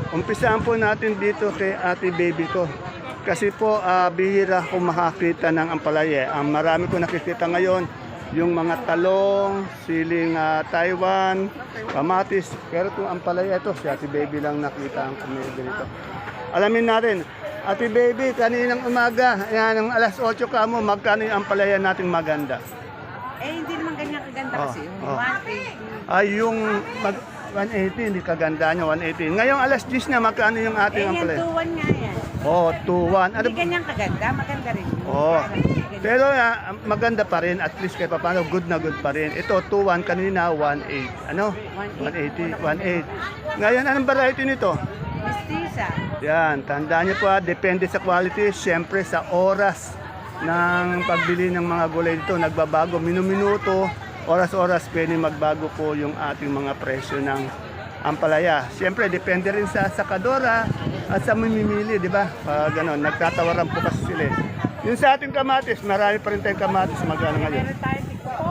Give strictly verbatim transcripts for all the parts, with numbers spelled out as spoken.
Umpisaan po natin dito kay Ate Baby ko. Kasi po, ah, bihira ko makakita ng ampalaya. Ang marami ko nakikita ngayon, yung mga talong, siling ah, Taiwan, kamatis. Pero kung ampalaya ito, si Ate Baby lang nakita ang kumili nito. Alamin natin, Ate Baby, kaninang umaga, yan, ang alas otso ka mo, magkano yung ampalaya natin maganda? Eh, hindi naman ganyan kaganda Oh, kasi. Yung oh. one eighty. Ay, yung mag, one eighty, hindi kaganda nyo, one eighty. Ngayong alas diyes na, magkano yung Eh, ating yan, ampalaya? two one nga yan. Oh, two one. Ano? Hindi ganyan kaganda, maganda rin. Oh. Parang hindi ganyan. Pero ah, maganda pa rin, at least kahit paano, good na good pa rin. Ito, two one, kanina, one eight. Ano? one eighty, one eight. Ngayon, anong variety nito? Mestiza. Yan, tandaan niyo po, ah, depende sa quality, syempre sa oras ng pagbili ng mga gulay dito, nagbabago, minuminuto, oras-oras pwede magbago po yung ating mga presyo ng ampalaya. Siyempre, depende rin sa sakadora at sa mamimili, di ba? Pag gano'n, nagtatawaran po kasi sila. eh. Yung sa ating kamatis, marami pa rin tayong kamatis, magkano ngayon? Meron tayo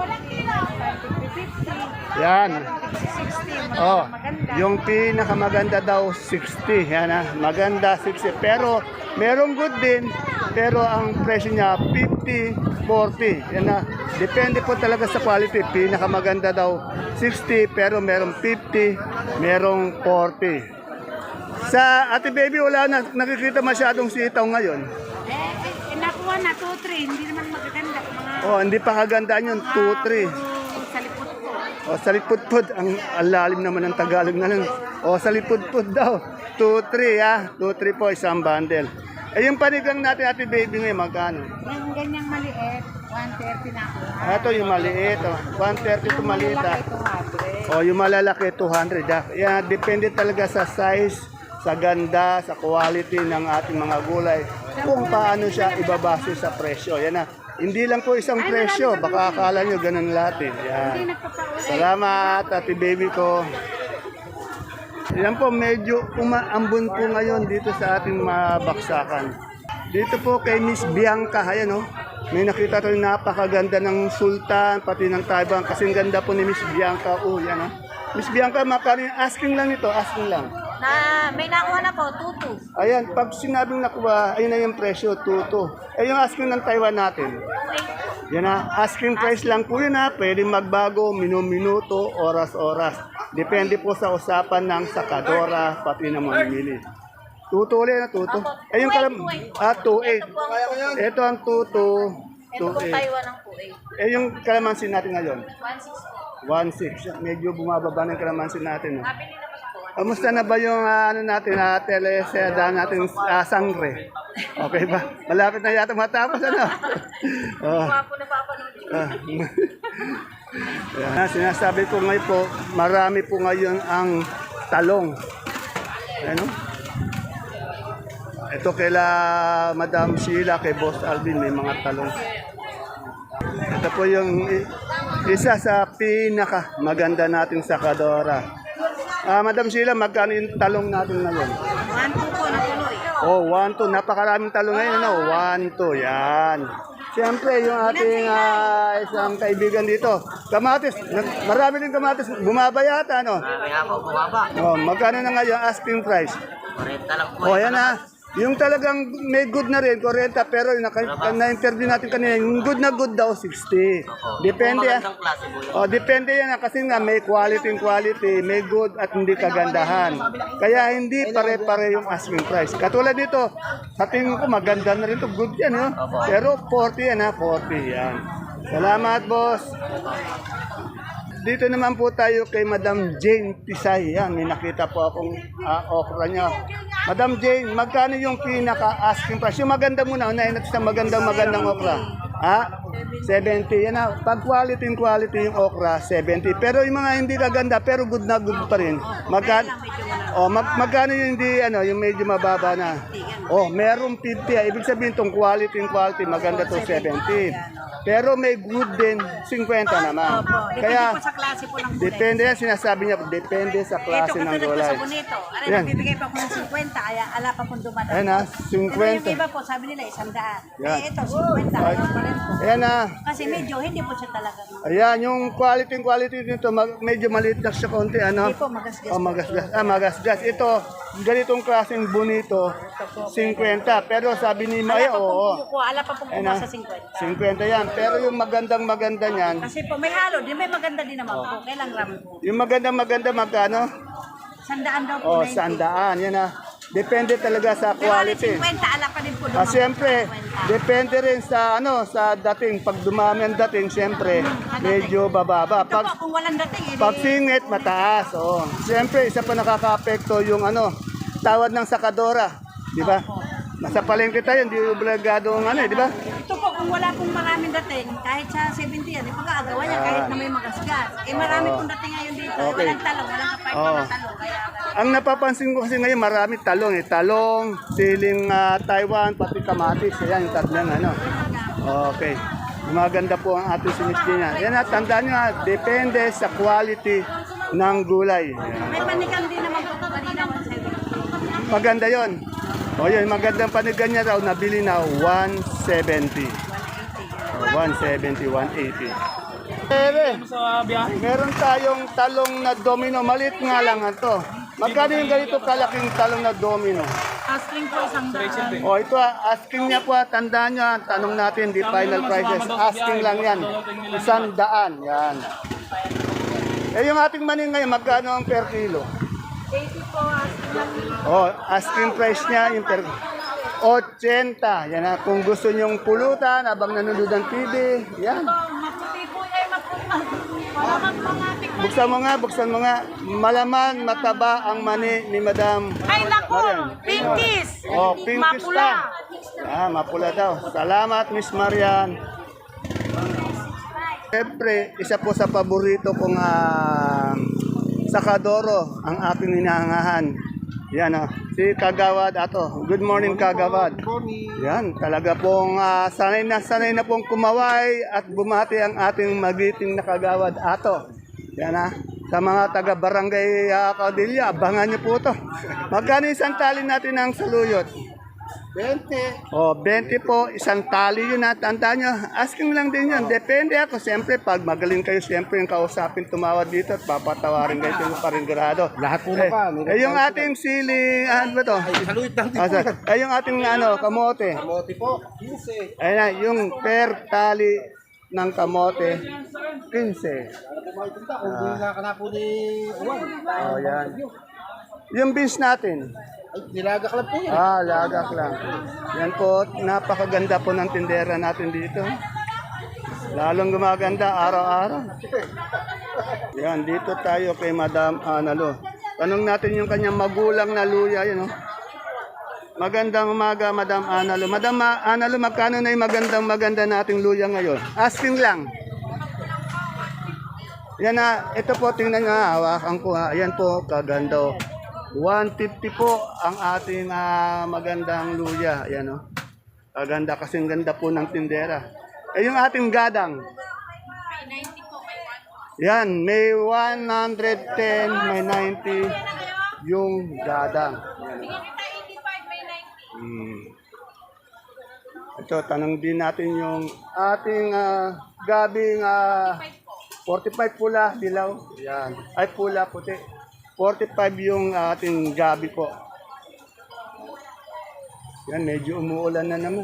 sixty, fifty, Yan. sixty, Oh, maganda. yung pinakamaganda daw sixty, yan ah, maganda sixty. Pero merong good din, pero ang presyo niya fifty, forty. Yan na. Depende po talaga sa quality. Pinakamaganda daw sixty, pero merong fifty, merong forty. Sa Ate Baby, wala na nakikita masyadong sitaw ngayon. Eh, eh, nakuha na, two three. Hindi naman magaganda. Mga Oh, hindi pa kagandaan yun, two three. sa likod ko. O, salipudpud. Ang alalim naman ng Tagalog na nun. O, salipudpud daw. two three ah. two three po, isang bundle. Eh, yung panigang natin, Ate Baby ngayon, magkano? Yung ganyang maliit, one thirty na ako. Ito yung maliit. Oh. one thirty ito maliit. Ah. two hundred. O, yung malalaki, two hundred. Ah. Yan, depende talaga sa size, sa ganda, sa quality ng ating mga gulay. Kung paano siya ibabase sa presyo. Yan na. Hindi lang po isang presyo. Baka akala nyo ganun lahat eh. Yan. Hindi nagpapaulit. Salamat, Ate Baby ko. Yan po, medyo umaambon po ngayon dito sa ating mga baksakan. Dito po kay Miss Bianca, ayan oh. May nakita tayo napakaganda ng sultan, pati ng Taiwan. Kasing ganda po ni Miss Bianca. Oh, yan oh. Miss Bianca, makano yung asking lang nito, asking lang. Na, may nakuha na po, two two. Ayan, pag sinabing nakuha, ayun na yung presyo, two two. Eh, yung asking ng Taiwan natin. Yan na, asking price lang po yun ha. Pwede magbago, minu-minuto, oras-oras. Depende po sa usapan ng sakadora, pati ng mamimili. Tuto ulit na tuto. Eh yung kalam... Ah, two eight. Ito ang tuto. two eight. Taiwan ang po eh. Eh yung kalamansi natin ngayon? one six po. one six. Medyo bumababa ng kalamansi natin. No? Nabili naman ako. Kamusta na ba yung ah, ano natin, uh, teleseda natin uh, sangre? Okay ba? Malapit na yata matapos, ano? Oh. Ako napapanood yun. Ah. Yan, sinasabi ko ngayon po, marami po ngayon ang talong. Ano? Ito kaila Madam Sheila, kay Boss Alvin, may mga talong. Ito po yung i- isa sa pinaka maganda nating sakadora. Ah, Madam Sheila, magkano yung talong natin ngayon? One two po na tuloy. Oh, one, two. Napakaraming talong ngayon, ano? One, two. Yan. Siyempre, yung ating ah, isang kaibigan dito. Kamatis. Nag- Marami din kamatis. Bumaba yata, ano? Kaya po bumaba. Oh, magkano na ngayon asking price? Kurenta lang po. Oh, yan na. Yung talagang may good na rin, forty, pero yung naka- na-interview natin kanina, yung good na good daw, sixty. Depende ah. Magandang klase po yun. Oh, depende yan ah, kasi nga may quality and quality, may good at hindi kagandahan. Kaya hindi pare-pare yung asking price. Katulad nito, sa tingin ko maganda na rin to, good yan, no? Pero forty yan ha, forty yan. Salamat, boss. Dito naman po tayo kay Madam Jane Tisay. Yan, may nakita po akong ah, okra niya. Madam Jane, magkano yung pinaka-asking price? Yung maganda muna, unahin natin sa magandang magandang okra. Ha? seventy. Yan na. Pag quality and quality yung okra, seventy. Pero yung mga hindi kaganda, pero good na good pa rin. Magkano? Oh, mag magkano yung hindi, ano, yung medyo mababa na? Oh, merong fifty. Ah. Ibig sabihin tong quality and quality, maganda to seventy. Pero may good din, fifty naman. Kaya, Depende po sa klase po ng gulay. depende yan, sinasabi niya, depende sa Ito klase ng katulad po gulay. sa bonito. Ano, Yan. nagbibigay pa ako ng fifty, kaya ala pa kung dumadaan. Ayan ha, Ito yung fifty. iba po, sabi nila isang daan. Yan. Eh, ito, fifty, kaya pa rin po. Ayan na. Kasi medyo, hindi po siya talaga. Ayan, yung quality quality nito, mag, medyo maliit na siya konti, ano? Hindi po, magasgas Oh, po. magasgas. Ah, magasgas. Ito, ganitong klaseng bonito, fifty. Pero sabi ni Maya, oo. Kuko, ala pa pong Ayun kuko na, sa fifty. fifty yan. Pero yung magandang maganda niyan, Kasi po may halo, di may maganda din naman po. Kailang gram po. yung magandang maganda magkano? Sandaan daw po. Oh, ninety. sandaan. Yan na. Depende talaga sa Pero ano, quality. fifty, ala pa din po. Ah, dumang siyempre, fifty. depende rin sa ano, sa dating. Pag dumami ang dating, siyempre, medyo bababa. Ito po, Pag kung walang dating, eh, pag di- singit, mataas. Oh. Siyempre, isa pa nakaka-apekto yung ano, tawad ng sakadora, di ba? Nasa palengke tayo, hindi obligado ang ano, eh, di ba? Ito po, kung wala pong maraming dating, kahit sa seventy yan, ipag-aagawa niya, kahit na may magasgas. Eh, marami pong dating ngayon dito. Ah. Okay. Walang talong, walang kapay Oo. na talong. Kaya, Ang napapansin ko kasi ngayon, marami talong eh. Talong, siling ah, Taiwan, pati kamatis. Ayan, yung tatlong ano. Okay. Maganda po ang ating sinistina. Yan at tandaan nyo, ah, depende sa quality ng gulay. may panigang din naman po. Kanina, one seventy. Maganda yon. O yun, magandang panigan niya raw, nabili na one seventy. O, one seventy, one eighty. Ere, meron tayong talong na domino. Maliit nga lang ito. Magkano yung ganito kalaking talong na domino? Asking po isang daan. O ito, ah, asking niya po, ah, tandaan niyo, ah, tanong natin, di final prices. Asking lang yan. Isang daan. Yan. Eh yung ating maning ngayon, magkano ang per kilo? eighty po, asking lang. Oh, asking price niya yung per eighty. Yan na, kung gusto nyong pulutan habang nanonood ng T V, yan. Maputi po yan, maputi. Malamang mga tikman. Buksan mo nga, buksan mo nga. Malaman, mataba ang mani ni Madam. Ay, naku! Marian. Pinkies! Oh, pinkies Mapula. pa. Ah, mapula daw. Salamat, Miss Marian. Siyempre, isa po sa paborito kong ah, sakadoro, ang aking hinahangahan. Yan o, si Kagawad Ato. Good morning, Kagawad. Yan, talaga pong ah, sanay na sanay na pong kumaway at bumati ang ating magiting na Kagawad Ato. Yan ha, sa mga taga-barangay uh, Caudillo, abangan niyo po to. Magkano isang tali natin ng saluyot? twenty. O, twenty po, isang tali yun ha. Tandaan nyo, asking lang din yun. Depende ako. Siyempre, pag magaling kayo, siyempre yung kausapin tumawad dito at papatawarin kayo yung paringrado. Lahat po Eh, na pa. eh, yung ating sili, ano ba to? Saluit lang din Ah, po. sorry. Eh, yung ating ano, kamote. Kamote po, fifteen. Ayun na, yung per tali ng kamote, fifteen. Ano po makikita kung hindi na ka na po ni Juan. Oh, yan. Yung beans natin. Ay, nilagak lang po yan. Ah, lagak lang. Yan po, napakaganda po ng tindera natin dito. Lalong gumaganda araw-araw. Yan, dito tayo kay Madam Analo. Tanong natin yung kanyang magulang na luya, yun oh. Magandang umaga, Madam Analo. Madam Ma- Analo, magkano na yung magandang maganda nating luya ngayon? Asking lang. Yan na, ito po, tingnan nga, hawakan ko ha. Ayan po, kaganda oh. one fifty po ang ating ah, magandang luya. Ayan oh. Kaganda kasing ganda po ng tindera. Eh yung ating gadang. Yan, may one ten, may ninety yung gadang. Hmm. Ito, tanong din natin yung ating ah, gabing ah, forty-five pula, dilaw. Yan. Ay, pula, puti. forty-five yung ating gabi po. Yan, medyo umuulan na naman.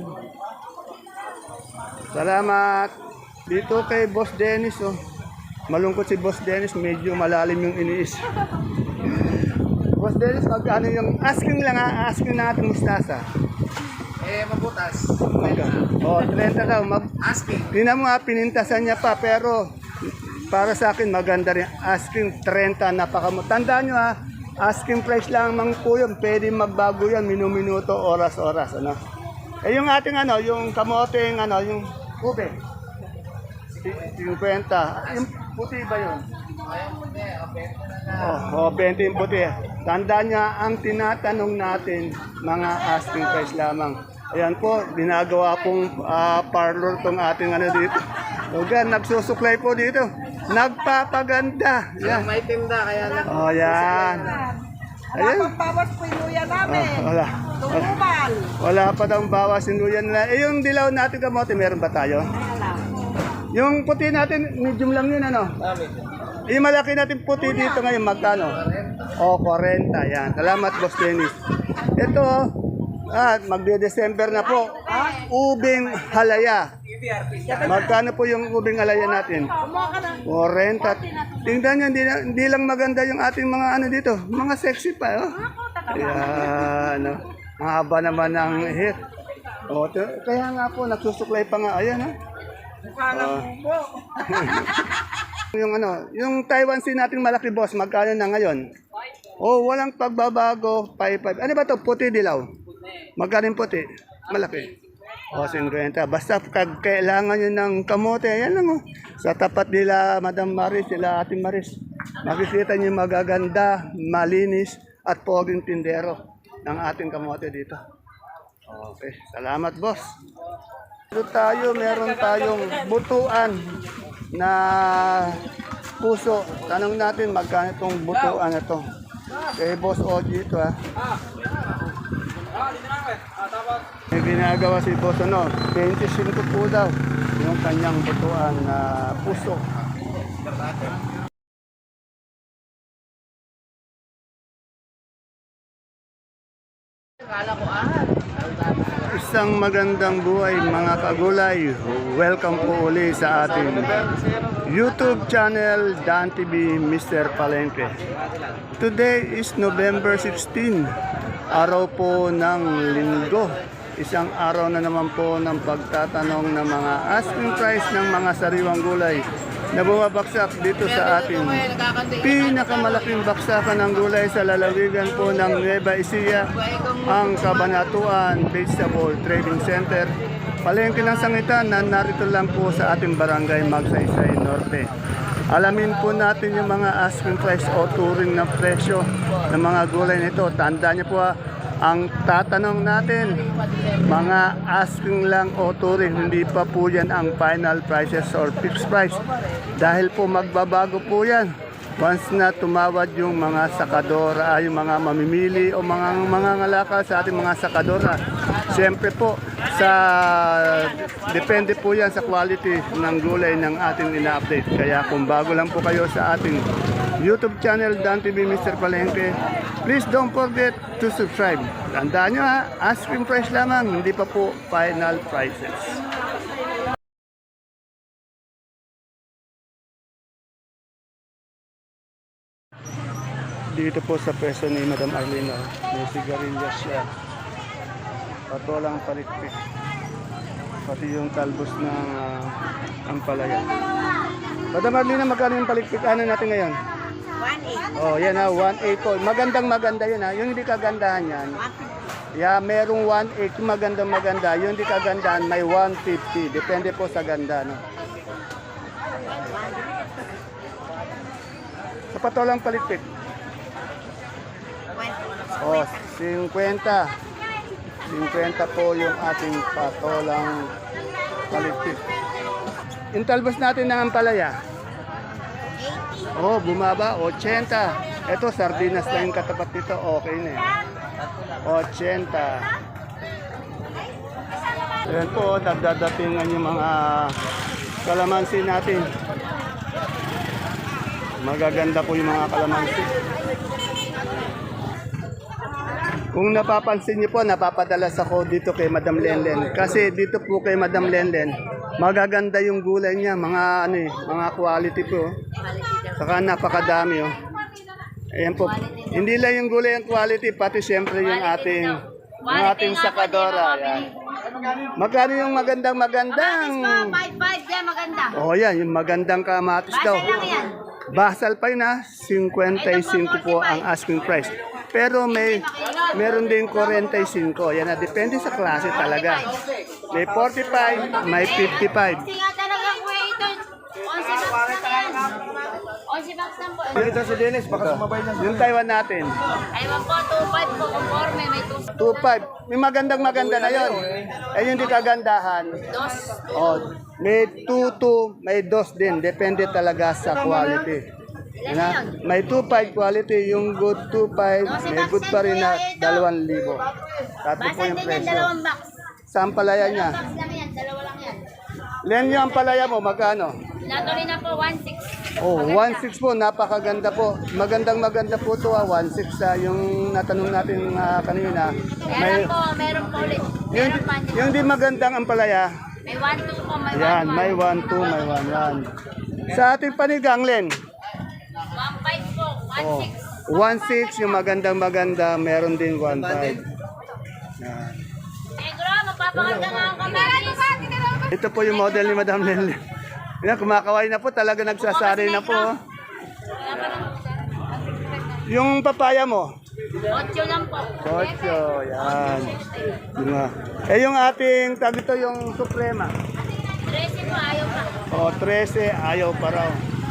Salamat. Dito kay Boss Dennis, oh. Malungkot si Boss Dennis, medyo malalim yung iniis. Boss Dennis, magkano yung asking lang ha, asking na ating mustasa. Eh, mabutas. Oh, thirty daw. Mag Asking. Tingnan mo ha, pinintasan niya pa, pero para sa akin maganda rin. Asking thirty, napakamo. Tandaan nyo ha, asking price lang mang po yun. Pwede magbago yan, minuminuto, oras-oras. Ano? Eh yung ating ano, yung kamoteng ano, yung ube. fifty. Yung puti ba yun? Oh, oh, twenty yung puti. Tandaan niya, ang tinatanong natin, mga asking price lamang. Ayan po, ginagawa pong ah, parlor tong ating ano dito. Lugar, nagsusuklay po dito. Nagpapaganda. Yan. May tinda, kaya na. Oh, yan. Ayan. Bawas po yung luya namin. Oh, wala. Tungubal. Wala pa daw bawas yung luyan na. Eh, yung dilaw natin kamote, meron ba tayo? Yung puti natin, medium lang yun, ano? Dami. Yung malaki natin puti dito ngayon, magkano? O, forty. Yan. Salamat, Boss Dennis. Ito, ah, magde-December na po. Ubing halaya. Magkano po yung ubing halaya natin? forty. Tingnan nyo, hindi, na- hindi lang maganda yung ating mga ano dito. Mga sexy pa, oh. Ayan, oh. Ang haba naman ng hit. O, t- kaya nga po, nagsusuklay pa nga. Ayan, oh. Oh. Yung ano, yung Taiwan Sea nating malaki boss, magkano na ngayon? Oh, walang pagbabago, five five. Ano ba to? Puti dilaw. Magkano yung puti? Malaki. O, fifty. Basta kag kailangan nyo ng kamote, yan lang oh. Sa tapat nila, Madam Maris, sila Ating Maris. Makikita nyo yung magaganda, malinis, at poging tindero ng ating kamote dito. Okay, salamat boss. Dito tayo, meron tayong butuan na puso. Tanong natin magkano itong butuan na to. Kay Boss Oji ito ha. May ginagawa si Boss ano, twenty-five po daw yung kanyang butuan na puso. Isang magandang buhay mga kagulay. Welcome po uli sa ating YouTube channel Dan T V Mister Palengke. Today is November sixteen, araw po ng linggo. Isang araw na naman po ng pagtatanong ng mga asking price ng mga sariwang gulay na bumabaksak dito sa ating pinakamalaking baksakan ng gulay sa lalawigan po ng Nueva Ecija, ang Cabanatuan Vegetable Trading Center. Palengke ng sangitan na narito lang po sa ating barangay Magsaysay Norte. Alamin po natin yung mga asking price o turing na presyo ng mga gulay nito. Tandaan niyo po ha, ang tatanong natin, mga asking lang o turing, hindi pa po yan ang final prices or fixed price. Dahil po magbabago po yan once na tumawad yung mga sakadora, yung mga mamimili o mga mga ngalakal sa ating mga sakadora. Siyempre po, sa depende po yan sa quality ng gulay ng ating ina-update. Kaya kung bago lang po kayo sa ating YouTube channel Dan T V Mister Palengke, please don't forget to subscribe. Tandaan nyo ha, asking price lamang, hindi pa po final prices. Dito po sa pwesto ni Madam Arlene, may sigarilyas siya. Patolang palikpik. Pati yung talbos ng uh, ampalaya. Madam Arlene, magkano yung palikpik? Ano natin ngayon? one eight. Oh, yan ha, one eight po. Magandang maganda yun ha. Yung hindi kagandahan yan. Yeah, merong one eight. Yung magandang maganda. Yung hindi kagandahan, may one fifty. Depende po sa ganda, no? Sa patolang palikpik. Oh, fifty. fifty po yung ating patolang palikpik. Yung talbos natin ng ampalaya. Oh, bumaba, eighty. Ito, sardinas lang yung katapat nito. Okay na eh. eighty. Ayan po, nagdadatingan yung mga kalamansi natin. Magaganda po yung mga kalamansi. Kung napapansin niyo po, napapadalas ako dito kay Madam Lenlen. Kasi dito po kay Madam Lenlen, magaganda yung gulay niya, mga ano eh, mga quality po. Saka napakadami oh. Ayan po. Hindi lang yung gulay ang quality, pati siyempre yung ating yung ating sakadora. Ayan. Magkano yung magandang magandang? five five yan, maganda. Oh, yan, yung magandang kamatis daw. Basal lang yan. Basal pa yun ha, fifty-five po ang asking price. Pero may meron din forty-five. Yan na, depende sa klase talaga. May forty-five, may fifty-five. Kasi nga talagang waiter, eleven bucks lang yan. eleven bucks lang po. Dito si Dennis, baka sumabay na. Yung Taiwan natin, Aywan po, two five po, conforme, may two. two five. May magandang maganda na yon. Eh yung di kagandahan, Dos. oh, may two two, may dos din. Depende talaga sa quality. Yan na, may two five quality, yung good two five, may good pa rin na dalawang libo. Tatlo po Basal yung din yan, presyo. dalawang box. Sa ampalaya niya. Box lang yan, dalawa lang yan. Len yung ampalaya mo, magkano? Natuloy na po, one six. Oh, one six po, napakaganda po. Magandang maganda po to, ah, one six ah, yung natanong natin ah, kanina. Meron po, meron po ulit. yung, Meron pa. yung di magandang ampalaya, May one two po, may yan, one may one two, may one one. Sa ating panigang, Len, one five po, one oh, six. one six, yung magandang maganda, meron din one five. Yan. Negro, magpapaganda nga ako kami. Ito po yung model ni Madam Len. Yan, kumakaway na po, talaga nagsasari na po. Yung papaya mo, Ocho lang po. Ocho, yan. Yun nga. Eh yung ating, tag ito yung Suprema. Trece po, ayaw pa. O, trese, ayaw pa raw.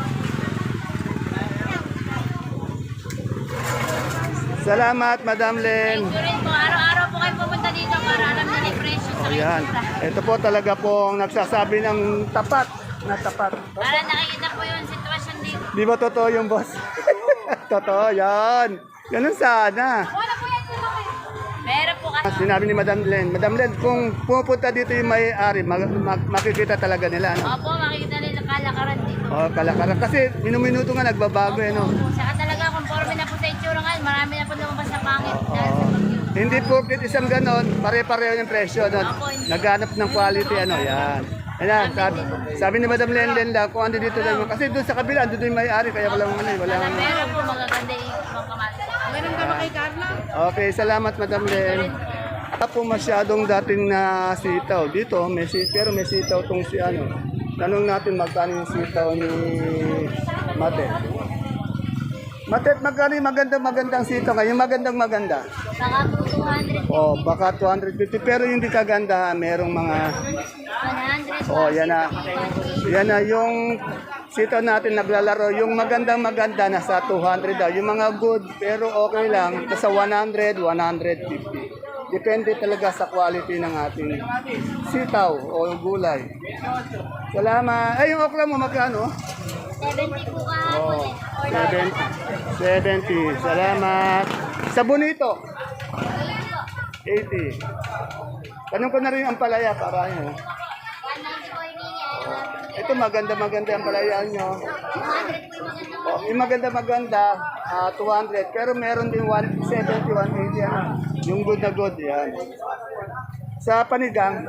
Salamat, Madam Len. Thank you rin po. Araw-araw po kayo pumunta dito para alam na yung presyo sa O, yan. itsura. Ito po talaga po ang nagsasabi ng tapat, na tapat. Para nakikita po yung sitwasyon dito. Di ba totoo yung boss? Totoo, yan. Ganun sana. Wala po yan. Meron po kasi. Sinabi ni Madam Len, Madam Len, kung pupunta dito yung may-ari, mag- mag- makikita talaga nila, ano? Opo, makikita nila kalakaran dito. O, kalakaran. Kasi minuminuto nga nagbabago, eh, no? Saka talaga, conforme na po sa itsura ngayon, marami na po lumabas na pangit dahil sa bagyo. Hindi po isang ganon, pare-pareho yung presyo, no? Opo, hindi. Naghanap ng quality, ano, yan. Ayan, sabi, sabi ni Madam Len Len lang, kung ando dito lang, kasi doon sa kabila, ando doon yung may-ari, kaya walang ano, eh, walang... Meron po magaganda yung mga kamatis. Meron ka ba kay Carla? Okay, salamat Madam Len. Wala po masyadong dating na sitaw. Dito, may si, pero may sitaw tong si ano. Tanong natin magkano yung sitaw ni Mate. Mate, magkano yung magandang magandang sitaw ngayon? Magandang maganda. Saka po two hundred. Oh, baka two hundred fifty. Pero yung di kaganda, merong mga... one hundred. Oh, yan na. Yan na yung sitaw natin naglalaro. Yung magandang maganda nasa two hundred daw. Yung mga good pero okay lang nasa one hundred, one fifty. Depende talaga sa quality ng ating sitaw o gulay. Salamat. Ay, yung okra mo magkano? seventy po Oh, kahapon eh. seventy. seventy. Salamat. Sa bonito, eighty. Tanong ko na rin ang palaya para ano. one ninety po hiningi. Ito maganda-maganda ang palaya nyo. two hundred po yung maganda. Oh, yung maganda-maganda, ah, two hundred. Pero meron din one seventy, one eighty. Ano? Yung good na good, yan. Sa panigang,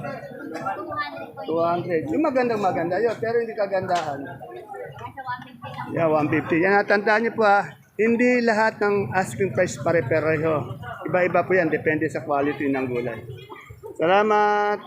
two hundred. Yung magandang-maganda yun, pero hindi kagandahan. Yeah, one fifty. Yan, tandaan niyo po ha, hindi lahat ng asking price pare-pareho. Iba-iba po yan, depende sa quality ng gulay. Salamat!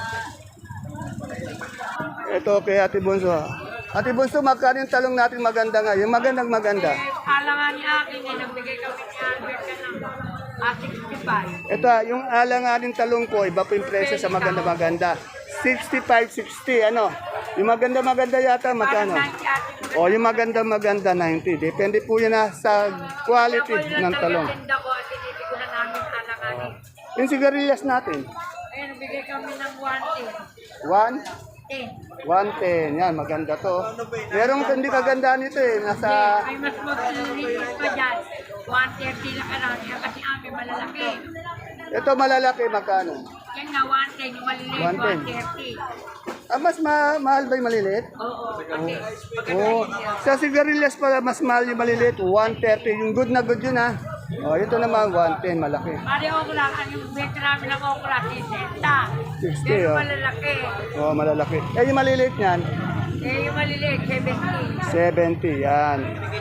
Ito kay Ate Bunso. Ate Bunso, magkano yung talong natin maganda nga? Yung magandang maganda. Alangan ni akin eh, nagbigay kami ni Albert ka ng ah, sixty-five. Ito, ah, yung alanganing talong ko, iba po yung presyo sa maganda-maganda. sixty-five, sixty, ano? Yung maganda-maganda yata, magkano? ninety atin. O, yung maganda-maganda, ninety. Depende po yan ah, sa quality ng talong. Tinda ko at tiniti ko na namin alanganin. Yung sigarilyas natin, Ayun, nagbigay kami ng one ten. one, ten. one ten. Yan, maganda to. Merong hindi kagandaan nito eh. Nasa, Ay, mas maglinis pa dyan. one thirty lang ka lang. Yan kasi amin malalaki. ito malalaki, magkano? Yan na one ten, yung maliliit one ten. one thirty. Ah, mas ma mahal ba yung maliliit? Oo, kasi Oo. Sa sigarilyas pala, mas mahal yung maliliit, one thirty. Yung good na good yun ha. O, ito naman, one ten, malaki. pari okra, ang yung benta namin ng okra, sixty. sixty, Yan yung oh. malalaki. O, malalaki. Eh, yung maliliit niyan, Eh, yung maliliit, seventy. seventy, yan.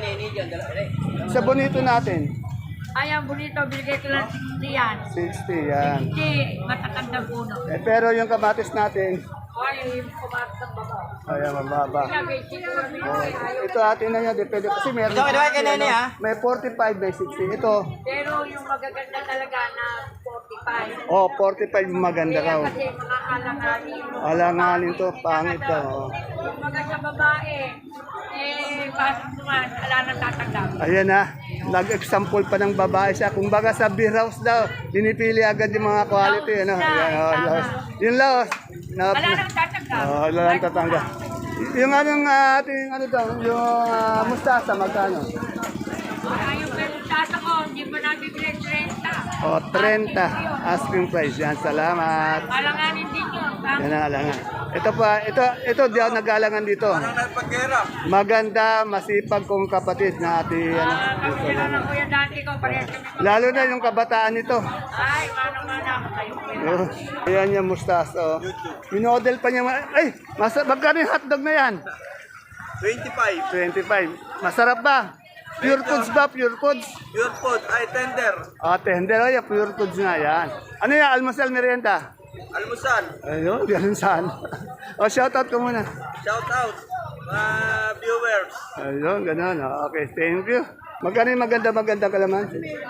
Sa bonito natin, Ayan, bonito, binigay ko lang sixty yan. sixty, yan. sixty, matatandang puno. Eh, pero yung kamatis natin, Ay, yung kumakas ng baba. ayan, mababa. Sabi, siguro nyo, ayaw. Ito atin na yan, depende. Kasi meron Ito, ito, kay Nene, ha? may forty-five by sixty. Ito, Pero yung magaganda talaga na forty-five. oh, forty-five yung maganda Kaya raw. kasi mga alanganin. Alanganin to, pangit daw. oh. Yung mga sa babae, eh, pasok naman, ala nang tatanggap. Ayan na, nag-example pa ng babae siya. Kung baga sa beer house daw, pinipili agad yung mga quality. Ano? Ayan, oh, laos. Yung laos. Na, Wala nang tatanggap. oh, wala lang tatanggap. Y- Yung anong ah, ating ano daw, yung ah, mustasa, magkano? Ay, yung pelutasa ko, hindi pa nabibili thirty. O, oh, thirty asking price. Yan, salamat. Alanganin din yun. Yan na, alangan. Ito pa, ito, ito di ako nagalangan dito. Nagpagkera. Maganda, masipag kong kapatid na ati, ano. Ah, kami sila ng kuya dati ko, parehas kami. Lalo na yung kabataan nito. Ay, manang-mana ako kayo. Oh, ayan yung mustas, oh. Minodel pa niya, ma- ay, masa, magkano yung hotdog na yan? twenty-five. twenty-five. Masarap ba? Pure foods ba? Pure foods? Pure food. Ay, tender. Ah, tender, ay, pure foods nga yan. Ano yan, almusal, merienda? Almusal. Ayun, ganun saan. O, shoutout ko muna. Shout out. Mga viewers. Ayun, ganun. O, okay, thank you. Magkano yung maganda-maganda kalaman?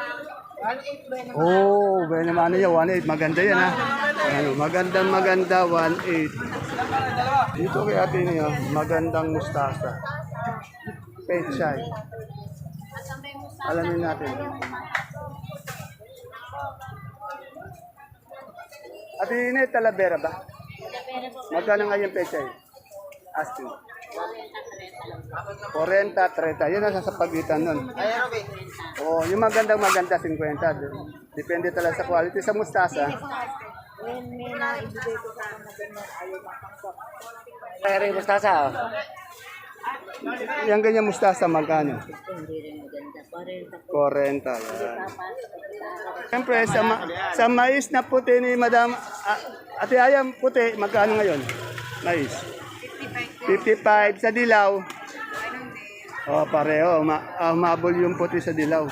Oh, well naman yan, one eight. Maganda yan, ha? Ano, magandang maganda, one eight. Dito kay ate niyo, magandang mustasa. Pechay. Alamin natin. Ate Ine, Talavera ba? Magkano nga yung pechay? Asking. forty, thirty. Yun ang sa pagitan nun. Oh, yung magandang maganda, fifty. Depende talaga sa quality. Sa mustasa, Pero yung mustasa, oh. yung ganyan mustasa, magkano? forty. Yan. Siyempre, sa, ma- sa mais na puti ni Madam, ah, Ate Ayam, puti, magkano ngayon? Mais. fifty-five. Sa dilaw? Oh, pareho. Ma ah, mabol yung puti sa dilaw.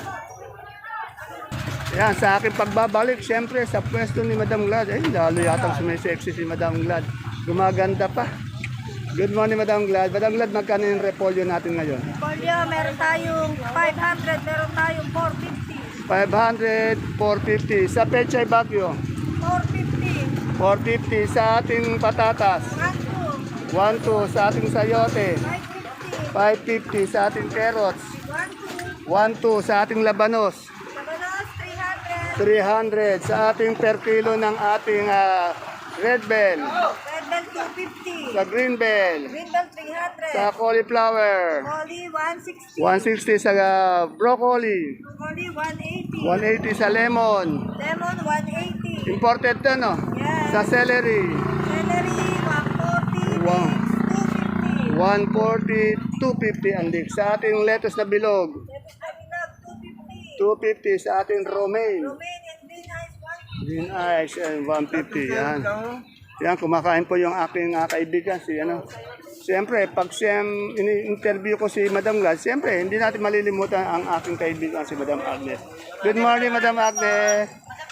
Yan, sa aking pagbabalik, siyempre, sa pwesto ni Madam Glad. Eh, lalo yatang sumisexy si Madam Glad. Gumaganda pa. Good morning, Madam Glad. Madam Glad, magkano yung repolyo natin ngayon? Polyo, meron tayong five hundred, meron tayong four fifty. five hundred, four fifty. Sa Pechay Bagyo, four fifty. four fifty. Sa ating patatas, one two. one two. Sa ating sayote, five fifty. five fifty. Sa ating carrots, one two. one two. Sa ating labanos, Labanos, three hundred. three hundred. Sa ating per kilo ng ating ah, red bell, Red bell, two fifty. sa green bell, Green bell, three hundred. sa cauliflower, Oli, one sixty. one sixty. Sa ah, broccoli, Oli, one eighty. one eighty. Sa lemon, Lemon, one eighty. imported to, no? Yes. Sa celery, Celery, one forty. Wow. two fifty. one forty, two fifty ang dik. Sa ating lettuce na bilog, Lettuce na bilog, two fifty. two fifty. Sa ating romaine, Romanian green ice, one fifty. green ice, and one fifty. Yan. Yan, kumakain po yung aking uh, kaibigan, si ano. Siyempre, pag siyem, ini-interview ko si Madam Glad, siyempre, hindi natin malilimutan ang aking kaibigan, si Madam Agnes. Good morning, Madam Agnes.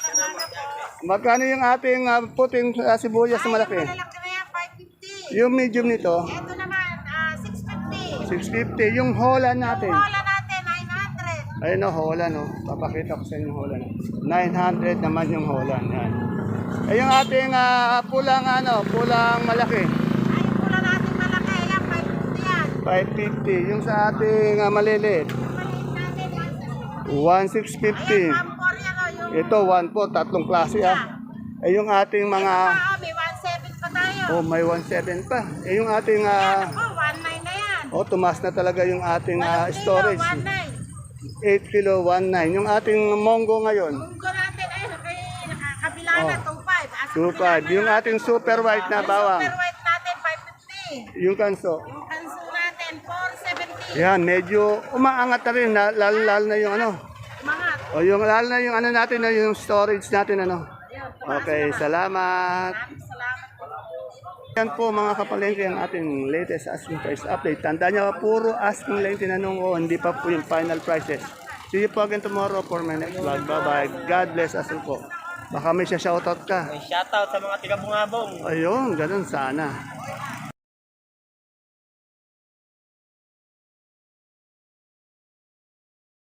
Magkano yung ating uh, puting uh, sibuyas na malaki? Malaki na yan, five fifty. Yung medium nito, Ito naman, ah, six fifty. six fifty. Yung Holland natin. Wala natin, nine hundred. Ayun o, Holland o. Papakita ko sa inyo yung Holland. nine hundred naman yung Holland. Yan. Eh, yung ating ah, pulang ano, pulang malaki. Ay, yung pula natin malaki, yan, five fifty yan. five fifty. Yung sa ating uh, maliliit. Yung maliit natin, one six fifty. Ayan, one four yan, oh, yung... Ito, one po. Tatlong klase ah. Eh, yung ating mga... Ah, may one seven pa tayo. Oh, may one seven pa. Eh, yung ating... ah, Oh, one nine na yan. oh, tumas na talaga yung ating ah, Walang kilo, storage. one nine. eight kilo, one nine. Yung ating monggo ngayon. Munggo natin, ay, kay nakakabila na, Oh. two five. two five. Yung ating super white na bawang. Super white natin, five fifty. Yung kanso. Yung kanso natin, four seventy. Yan, medyo umaangat na rin, na- lalo, lalo na yung ano. Mga, O yung lalo na yung ano natin, na yung storage natin ano. Okay, salamat. salamat po. Yan po mga kapalengke ang ating latest asking price update. Tandaan nyo, puro asking lang tinanong ko, hindi pa po yung final prices. See you po again tomorrow for my next vlog. Bye-bye. God bless us all po. Baka may siya shoutout ka. May shoutout sa mga tiga-bungabong. Ayun, ganun sana.